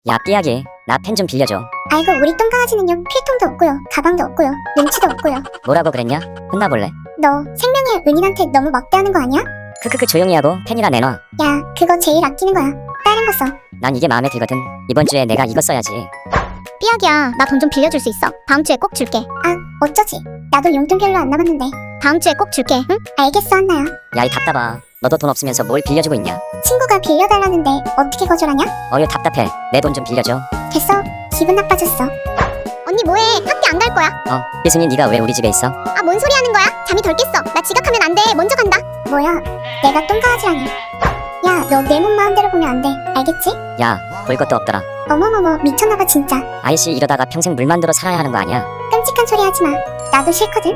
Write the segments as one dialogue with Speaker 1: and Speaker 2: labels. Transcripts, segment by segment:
Speaker 1: 야 삐약이 나 펜 좀 빌려줘.
Speaker 2: 아이고 우리 똥강아지는요 필통도 없고요 가방도 없고요 눈치도 없고요.
Speaker 1: 뭐라고 그랬냐? 혼나볼래?
Speaker 2: 너 생명의 은인한테 너무 막대하는 거 아니야?
Speaker 1: 크크크 조용히 하고 펜이나 내놔.
Speaker 2: 야 그거 제일 아끼는 거야. 다른 거 써.
Speaker 1: 난 이게 마음에 들거든. 이번 주에 내가 이거 써야지.
Speaker 3: 삐약이야, 나 돈 좀 빌려줄 수 있어? 다음 주에 꼭 줄게.
Speaker 2: 아 어쩌지 나도 용돈 별로 안 남았는데.
Speaker 3: 다음 주에 꼭 줄게, 응?
Speaker 2: 알겠어 한나야.
Speaker 1: 야 이 답답아. 너도 돈 없으면서 뭘 빌려주고 있냐?
Speaker 2: 친구가 빌려달라는데 어떻게 거절하냐?
Speaker 1: 어휴 답답해. 내 돈 좀 빌려줘.
Speaker 2: 됐어 기분 나빠졌어.
Speaker 3: 언니 뭐해? 학교 안 갈 거야?
Speaker 1: 삐순이 네가 왜 우리 집에 있어?
Speaker 3: 아, 뭔 소리 하는 거야? 잠이 덜 깼어. 나 지각하면 안 돼. 먼저 간다.
Speaker 2: 뭐야 내가 똥강아지라니. 야 너 내 몸 마음대로 보면 안 돼 알겠지?
Speaker 1: 야 볼 것도 없더라.
Speaker 2: 어머머머 미쳤나봐 진짜.
Speaker 1: 아이씨 이러다가 평생 물 만들어 살아야 하는 거 아니야?
Speaker 2: 끔찍한 소리 하지마. 나도 싫거든.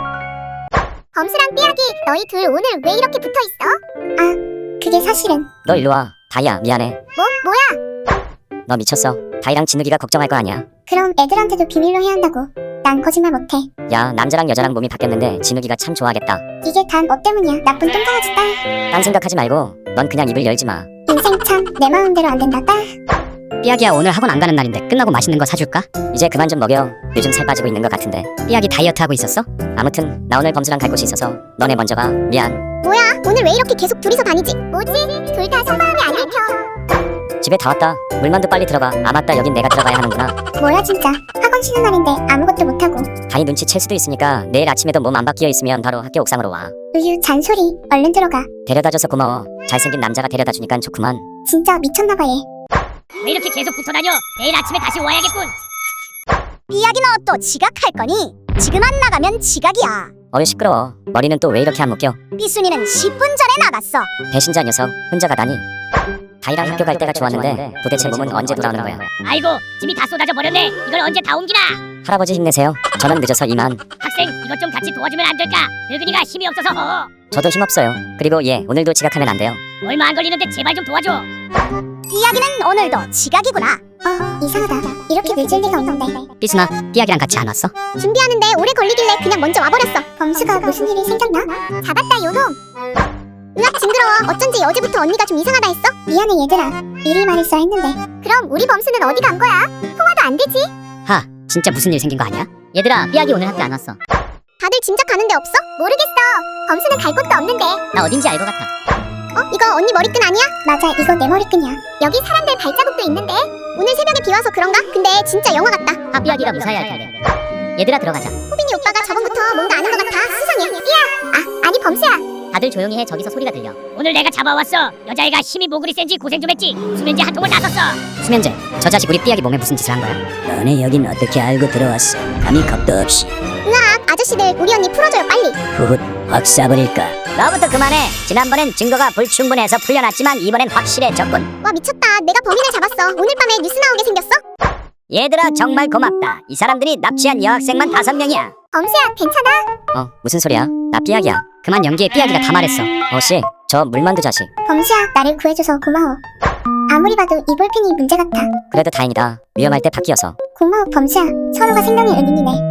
Speaker 3: 범수랑 삐약이 너희 둘 오늘 왜 이렇게 붙어있어?
Speaker 2: 그게 사실은.
Speaker 1: 너 일로 와. 다이야 미안해.
Speaker 3: 뭐야?
Speaker 1: 너 미쳤어. 다이랑 진욱이가 걱정할 거 아니야.
Speaker 2: 그럼 애들한테도 비밀로 해야 한다고. 난 거짓말 못해.
Speaker 1: 야 남자랑 여자랑 몸이 바뀌었는데 진욱이가 참 좋아하겠다.
Speaker 2: 이게 단 너 때문이야 나쁜 똥강아지 딸.
Speaker 1: 딴 생각하지 말고 넌 그냥 입을 열지 마.
Speaker 2: 인생 참 내 마음대로 안 된다 딸.
Speaker 4: 삐약이야 오늘 학원 안 가는 날인데 끝나고 맛있는 거 사줄까?
Speaker 1: 이제 그만 좀 먹여. 요즘 살 빠지고 있는 것 같은데.
Speaker 4: 삐약이 다이어트 하고 있었어?
Speaker 1: 아무튼 나 오늘 범수랑 갈 곳이 있어서 너네 먼저 가. 미안.
Speaker 3: 뭐야? 오늘 왜 이렇게 계속 둘이서 다니지? 뭐지? 둘 다 속마음이 안 읽혀.
Speaker 1: 집에 다 왔다. 물만두 빨리 들어가. 아 맞다 여긴 내가 들어가야 하는구나.
Speaker 2: 뭐야 진짜. 학원 쉬는 날인데 아무것도 못하고.
Speaker 1: 다이 눈치챌 수도 있으니까 내일 아침에도 몸 안 바뀌어 있으면 바로 학교 옥상으로 와.
Speaker 2: 으유 잔소리. 얼른 들어가.
Speaker 1: 데려다줘서 고마워. 잘생긴 남자가 데려다주니까 좋구만.
Speaker 2: 진짜 미쳤나봐 얘.
Speaker 5: 왜 이렇게 계속 붙어다녀? 내일 아침에 다시 와야겠군.
Speaker 3: 삐약이 너 또 지각할 거니? 지금 안 나가면 지각이야.
Speaker 1: 어휴 시끄러워. 머리는 또 왜 이렇게 안 묶여?
Speaker 3: 삐순이는 10분 전에 나갔어.
Speaker 1: 배신자 녀석 혼자 가다니. 다이랑 학교 갈 때가 좋았는데 도대체 몸은 언제 돌아오는 거야?
Speaker 5: 아이고, 짐이 다 쏟아져 버렸네. 이걸 언제 다 옮기나?
Speaker 1: 할아버지 힘내세요. 저는 늦어서 이만.
Speaker 5: 학생, 이것 좀 같이 도와주면 안 될까? 늙은이가 힘이 없어서
Speaker 1: 저도 힘없어요. 그리고 예 오늘도 지각하면 안 돼요.
Speaker 5: 얼마 안 걸리는데 제발 좀 도와줘.
Speaker 3: 삐약이는 오늘도 지각이구나.
Speaker 2: 이상하다. 이렇게 늦을 리가 없는데.
Speaker 4: 삐순아 삐약이랑 같이 안 왔어?
Speaker 3: 준비하는데 오래 걸리길래 그냥 먼저 와버렸어.
Speaker 2: 범수가 무슨 일이 생겼나?
Speaker 3: 잡았다 요놈. 으악 징그러워. 어쩐지 어제부터 언니가 좀 이상하다 했어.
Speaker 2: 미안해 얘들아. 미리 말했어야 했는데.
Speaker 3: 그럼 우리 범수는 어디 간 거야? 통화도 안 되지?
Speaker 4: 하 진짜 무슨 일 생긴 거 아니야? 얘들아 삐약이 오늘 학교 안 왔어.
Speaker 3: 다들 짐작 가는 데 없어? 모르겠어. 범수는 갈 곳도 없는데.
Speaker 4: 나 어딘지 알 것 같아.
Speaker 3: 이거 언니 머리끈 아니야?
Speaker 2: 맞아 이거 내 머리끈이야.
Speaker 3: 여기 사람들 발자국도 있는데. 오늘 새벽에 비 와서 그런가? 근데 진짜 영화 같다.
Speaker 4: 아 삐약이가 무사히 할 텐데. 얘들아 들어가자.
Speaker 3: 호빈이 오빠가 저번부터 뭔가 아는 것 같아. 수상해. 삐야. 아니 범수야.
Speaker 4: 다들 조용히 해. 저기서 소리가 들려.
Speaker 5: 오늘 내가 잡아왔어. 여자애가 힘이 모글이 센지 고생 좀 했지. 수면제 한 통을 다 썼어.
Speaker 4: 수면제 저 자식 우리 삐약이 몸에 무슨 짓을 한 거야?
Speaker 6: 너네 여긴 어떻게 알고 들어왔어? 감히 겁도 없이.
Speaker 3: 으악 아저씨들 우리 언니 풀어줘요 빨리.
Speaker 6: 후훗 확 쏴버릴까?
Speaker 1: 너부터 그만해. 지난번엔 증거가 불충분해서 풀려났지만 이번엔 확실해졌군.
Speaker 3: 와 미쳤다. 내가 범인을 잡았어. 오늘 밤에 뉴스 나오게 생겼어?
Speaker 1: 얘들아 정말 고맙다. 이 사람들이 납치한 여학생만 5명이야.
Speaker 3: 범수야 괜찮아?
Speaker 1: 무슨 소리야? 나 삐약이야.
Speaker 4: 그만 연기해. 삐약이가 다 말했어.
Speaker 1: 어씨 저 물만두 자식.
Speaker 2: 범수야 나를 구해줘서 고마워. 아무리 봐도 이 볼펜이 문제 같아.
Speaker 1: 그래도 다행이다. 위험할 때 바뀌어서.
Speaker 2: 고마워 범수야. 서로가 생명의 은인이네.